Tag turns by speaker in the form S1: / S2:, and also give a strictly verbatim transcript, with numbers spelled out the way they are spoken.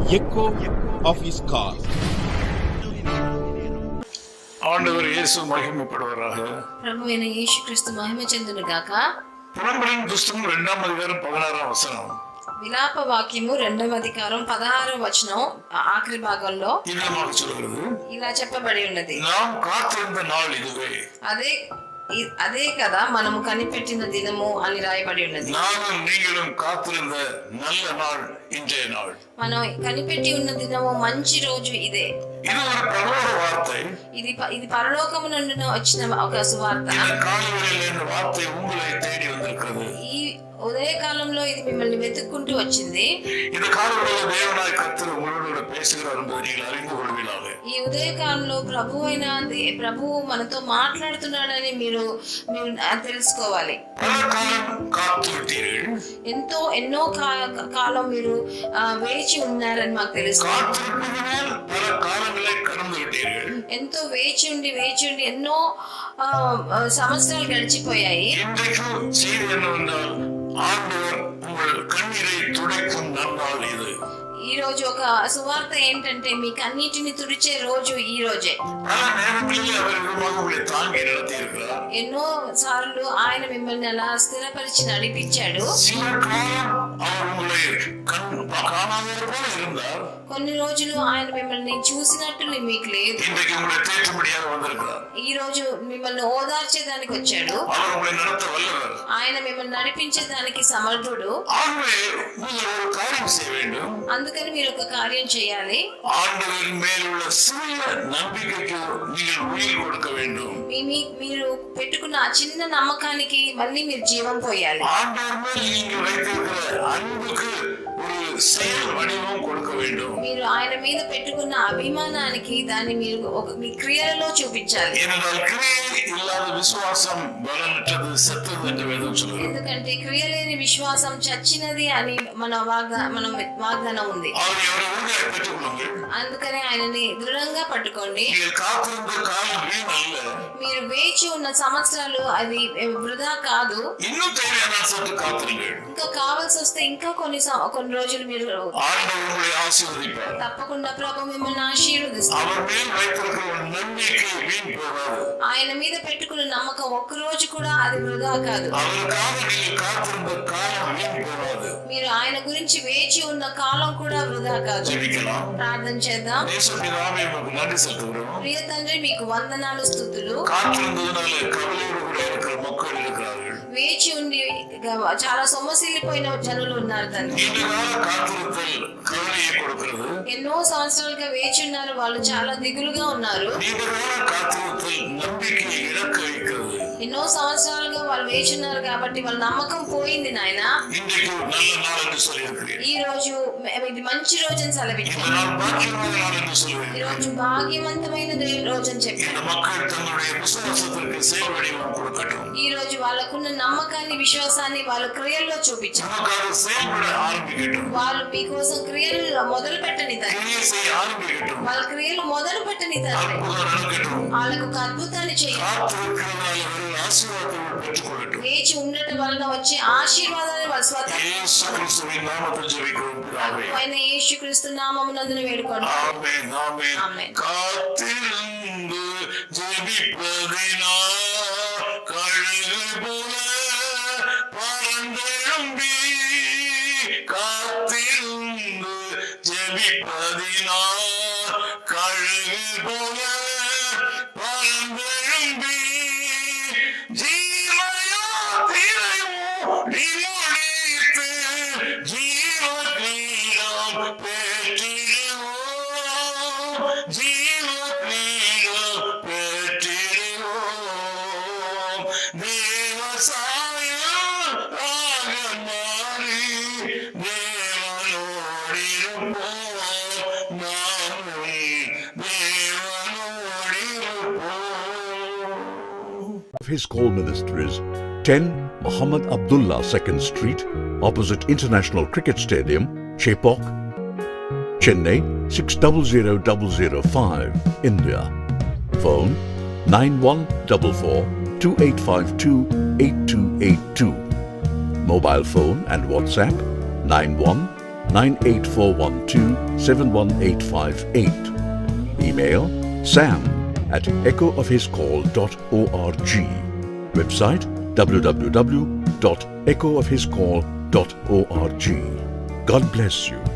S1: echo of his call.
S2: ஆண்டவர் இயேசு மகிமைப்படுவாராக.
S3: ప్రభువైన యేసుక్రీస్తు మహిమ చెందును గాక.
S2: புலம்பலின் புஸ்தகம் இரண்டாம் அதிகாரம் பதினாறாம் వచనం.
S3: విలాప వాక్యము రెండవ అధికారం పదహారవ వచనం ఆఖరి భాగంలో
S2: ఇదமாக சொல்கிறது.
S3: ఇలా చెప్పబడి ఉన్నది.
S2: நாம் காத்திருந்த நாள் இதுவே.
S3: అదే అదే కదా మనము కనిపెట్టిన దినము అని రాయబడి ఉన్నది.
S2: நானும் நீங்களும் காத்திருந்த நல்ல நாள் இன்றைய நாள்.
S3: మనం కనిపెట్టి ఉన్న దినము మంచి రోజు ఇదే.
S2: ఇది ఒక పరలోక వార్త.
S3: ఇది ఇది పరలోకము నుండి వచ్చిన ఒక సువార్త.
S2: இந்த காலையிலே இந்த வார்த்தை உங்களை தேடி வந்திருக்கிறது.
S3: ఈ ఉదయ కాలంలో ఇది మిమ్మల్ని వెతుక్కుంటూ వచ్చింది.
S2: இந்த காலையிலே தேவனாய் கர்த்தர் உங்களோடு பேசுகிறார் என்பதை நீங்கள் அறிந்து கொள்வீர்களாக.
S3: ఈ ఉదయ కాలంలో ప్రభు అయిన ప్రభువు మనతో మాట్లాడుతున్నాడని మీరు మీరు తెలుసుకోవాలి. ఎంతో ఎన్నో కాలం మీరు వేచి ఉన్నారని మాకు తెలుసు. ఎంతో వేచి ఉండి వేచి ఉండి ఎన్నో సంవత్సరాలు గడిచిపోయాయి. ఈ రోజు ఒక సువార్త ఏంటంటే మీ కన్నీటిని తుడిచే రోజు ఈ రోజే. ఎన్నో సార్లు ఆయన మిమ్మల్ని అలా స్థిరపరిచి నడిపించాడు. కొన్ని రోజులు ఆయన మిమ్మల్ని చూసినట్టు మీకు లేదు. ఈ రోజు మిమ్మల్ని ఓదార్చేదానికి వచ్చాడు. ఆయన మిమ్మల్ని నడిపించేదానికి సమర్థుడు. అందుకని మీరు ఒక కార్యం చేయాలి. మీరు పెట్టుకున్న ఆ చిన్న నమ్మకానికి మళ్ళీ మీరు జీవం పోయాలి. మీరు ఆయన మీద పెట్టుకున్న అభిమానానికి దాన్ని మీరు ఒక మీ క్రియలలో చూపించాలి. ఎందుకంటే క్రియ లేని విశ్వాసం చచ్చినది అని మన మనం వాగ్దానం ఉంది. అందుకని ఆయనని దృఢంగా పట్టుకోండి. మీరు వేచి ఉన్న సంవత్సరాలు అది వృధా కాదు. ఇంకా కావాల్సి వస్తే ఇంకా కొన్ని కొన్ని రోజులు మీరు తప్పకుండా ప్రభు మిమ్మల్ని ఆశీర్వదిస్తారు. ఆయన మీద పెట్టుకున్న నమ్మకం ఒక్క రోజు కూడా అది వృధా కాదు. మీరు ఆయన గురించి వేచి ఉన్న కాలం కూడా వృధా కాదు. ప్రార్థన చేద్దాం. ప్రియ తండ్రి, మీకు వందనాలు, స్తుతులు. వేచి ఉండి చాలా సొమ్మసిల్లిపోయిన జనులు ఉన్నారు తండ్రి. ఎన్నో సంవత్సరాలుగా వేచి ఉన్నారు. వాళ్ళు చాలా దిగులుగా ఉన్నారు. ఎన్నో సంవత్సరాలుగా వాళ్ళు వేచి ఉన్నారు కాబట్టి వాళ్ళ నమ్మకం పోయింది నాయన. ఈ రోజు ఇది మంచి రోజు అని సెలవిచ్చారు. ఈ రోజు భాగ్యవంతమైన రోజు అని చెప్పారు. ఈ రోజు వాళ్ళకున్న నమ్మకాన్ని, విశ్వాసాన్ని వాళ్ళ క్రియల్లో చూపించారు. వాళ్ళు మీకోసం క్రియలు మొదలు పెట్టని తండ్రి. వాళ్ళ క్రియలు మొదలు పెట్టని తండ్రి. వాళ్ళకు ఒక అద్భుతాన్ని చేయాలి. వేచి ఉండటం వలన వచ్చే ఆశీర్వాదాన్ని వాళ్ళ స్వతహా యేసుక్రీస్తు నామమునందున వేడుకోండి. ఆమేన్.
S4: His call ministries: ten Muhammad Abdullah second Street, opposite International Cricket Stadium, Chepauk, Chennai six zero zero zero zero five, India. Phone nine one four four two eight five two eight two eight two. Mobile phone and WhatsApp nine one nine eight four one two seven one eight five eight. Email sam at echo of his call dot org. Website w w w dot echo of his call dot org. God bless you.